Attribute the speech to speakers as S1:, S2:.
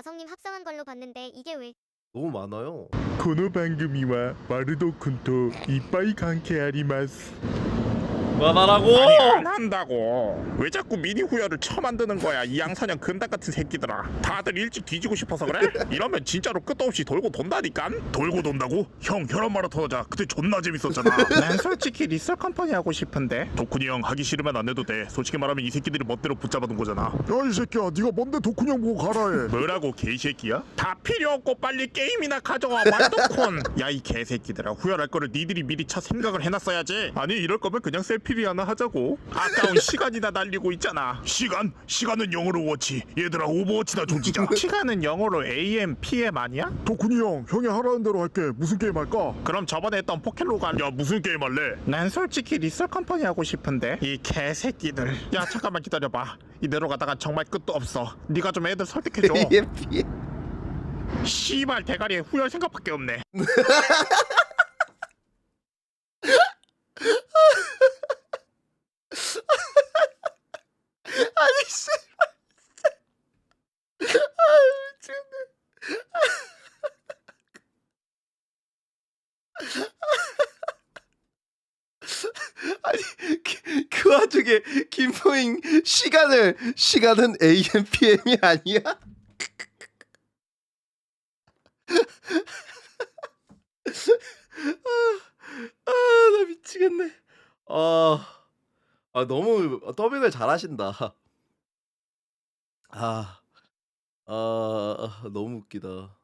S1: 나성님 합성한 걸로 봤는데 이게 왜?
S2: 너무 많아요.
S3: この番組はワルド君といっぱい関係あります。
S2: 그만하라고.
S4: 아니 안 한다고. 왜 자꾸 미니 후열을 처만드는 거야 이 양사냥 근당 같은 새끼들아. 다들 일찍 뒤지고 싶어서 그래? 이러면 진짜로 끝도 없이 돌고 돈다니깐. 돌고 돈다고? 형 혈압 마라톤 하자. 그때 존나 재밌었잖아. 난 솔직히 리썰 컴퍼니 하고 싶은데. 덕훈이 형 하기 싫으면 안 해도 돼. 솔직히 말하면 이 새끼들이 멋대로 붙잡아둔 거잖아.
S3: 야 이 새끼야, 네가 뭔데 덕훈이 형 보고 가라 해.
S4: 뭐라고 개새끼야? 다 필요 없고 빨리 게임이나 가져와 말도콘. 야 이 개새끼들아, 후회할 거를 니들이 미리 차 생각을 해놨어야지. 아니 이럴 거면 그냥 셀피리 하나 하자고. 아까운 시간이나 날리고 있잖아. 시간은 영어로 워치. 얘들아 오버워치나 좀 지자. 시간은 영어로 AM, PM 아니야?
S3: 덕훈이 형, 형이 하라는 대로 할게. 무슨 게임 할까?
S4: 그럼 저번에 했던 포켓로가. 야 무슨 게임 할래? 난 솔직히 리썰 컴퍼니 하고 싶은데. 이 개새끼들. 야 잠깐만 기다려봐. 이대로 가다가 정말 끝도 없어. 네가 좀 애들 설득해줘. 씨발 대가리에 후열 생각밖에 없네.
S2: 아니 씨. 아니 그 와중에 김포잉 시간은 AM PM이 아니야? 나 미치겠네. 너무 더빙을 잘하신다. 너무 웃기다.